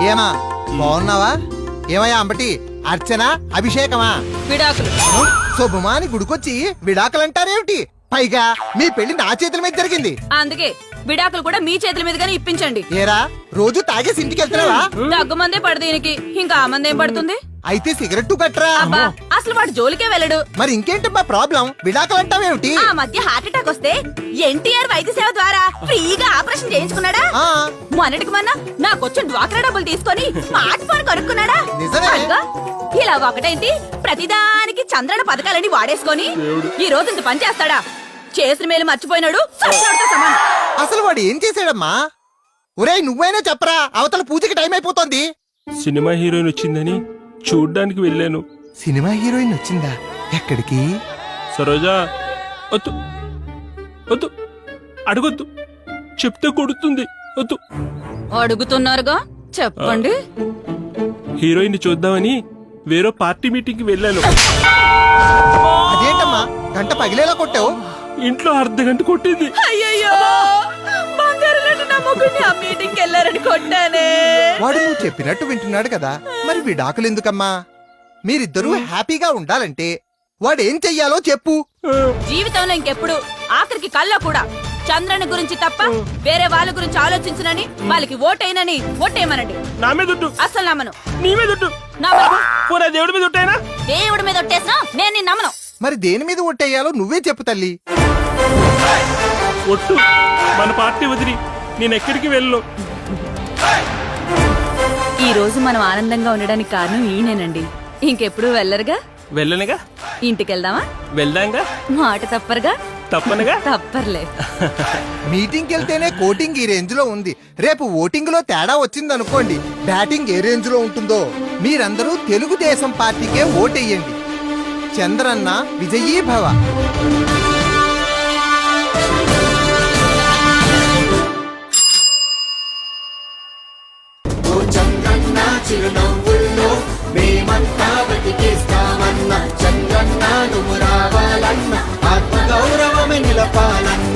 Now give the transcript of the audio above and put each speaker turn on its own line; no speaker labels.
ఏమా బాగున్నావా? ఏమయ్యా అంబటి, అర్చన, అభిషేకమా?
విడాకులు.
శుభమాని గుడికొచ్చి విడాకులంటారేమిటి? పైగా మీ పెళ్లి నా చేతుల మీద జరిగింది.
అందుకే విడాకులు కూడా మీ చేతుల మీదుగానే ఇప్పించండి.
ఏరా రోజు తాగేసి ఇంటికి వెళ్తున్నావా?
దగ్గు మందే పడదు దీనికి, ఇంకా ఆ మందేం పడుతుంది?
అయితే సిగరెట్టు కట్టరా.
అబ్బా అసలు వాడు జోలికే వెళ్ళడు.
మరి ఇంకేంటమ్మా ప్రాబ్లం? విడాకులంటావేమిటి?
ఆ మధ్య హార్ట్ అటాక్ వస్తే ఎన్టీఆర్ వైద్య సేవ ద్వారా ఫ్రీగా ఆపరేషన్ చేయించుకున్నాడా?
ఆ,
మొన్నటికి మొన్న నాకొచ్చిన డ్వాక్రా డబ్బులు తీసుకొని స్మార్ట్ ఫోన్ కొనుక్కున్నాడా?
నిజమే.
అదిగో, ఇలా ఒకటైంది ప్రతిదానికి చంద్రన పథకాలని వాడేసుకొని ఈ రోజు ఇంత పని చేస్తాడా? చేసిన మేలు మర్చిపోయినాడు, సచ్చినోడితో సమానం.
అసలు వాడు ఏం చేశాడమ్మా? ఒరేయ్ నువ్వైనా చెప్పరా, అవతల పూజకి టైం అయిపోతోంది.
సినిమా హీరోయిన్ వచ్చిందని చూడ్డానికి వెళ్ళాను.
సినిమా హీరోయిన్ వచ్చిందా? ఎక్కడికి?
సరోజా వద్దు వద్దు, అడగొద్దు, చెప్తే కొడుతుంది, వద్దు.
అడుగుతున్నారుగా, చెప్పండి.
హీరోయిన్ చూద్దామని వేరే పార్టీ మీటింగ్ కి వెళ్ళాను.
అదేంటమ్మా గంట పగిలేలా కొట్టావు?
ఇంట్లో అర్ధగంట కొట్టింది.
అయ్యయ్యో, బంగారు లాంటి నా మొగుడిని ఆ మీటింగ్కి వెళ్ళారని కొట్టానే.
వాడు నువ్వు చెప్పినట్టు వింటున్నాడు కదా, మరి విడాకులు ఎందుకమ్మా? మీరిద్దరూ హ్యాపీగా ఉండాలంటే వాడేం చెయ్యాలో చెప్పు.
జీవితంలో ఇంకెప్పుడు, ఆఖరికి కల్లో కూడా చంద్రని గురించి తప్ప వేరే వాళ్ళ గురించి ఆలోచించనని, వాళ్ళకి ఓటైనని ఓటేయమనండి.
నా మీద ఒట్టు.
అస్సలు నమ్మను.
నీ మీద ఒట్టు. పోరా దేవుడి మీద ఒట్టైనా.
దేవుడి మీద ఒట్టేసినా నేను నిన్ను నమ్మను.
మరి దేని మీద ఒట్టేయాలో నువ్వే చెప్పు తల్లి.
ఒట్టు. మన పార్టీ వదిలి నేను ఎక్కడికి వెళ్ళను.
ఈ రోజు మనం ఆనందంగా ఉండడానికి కారణం ఈయనేనండి. ఇంకెప్పుడు వెళ్ళరుగా?
వెళ్ళనుగా.
ఇంటికెళ్దామా?
వెళ్దాంగా.
మాట తప్పరుగా?
తప్పనుగా.
తప్పర్లే.
మీటింగ్కి వెళ్తేనే కోటింగ్ ఈ రేంజ్ లో ఉంది. రేపు ఓటింగ్ లో తేడా వచ్చిందనుకోండి, బ్యాటింగ్ ఏ రేంజ్ లో ఉంటుందో. మీరందరూ తెలుగుదేశం పార్టీకే ఓటెయ్యండి. చంద్రన్న విజయీ భవ.
చంద్రన్న చిరునవ్వుల్లో మేమంతా బతికేస్తామన్న, చంద్రన్న నువ్వు రావాలన్న, ఆత్మగౌరవమే నిలపాలన్న.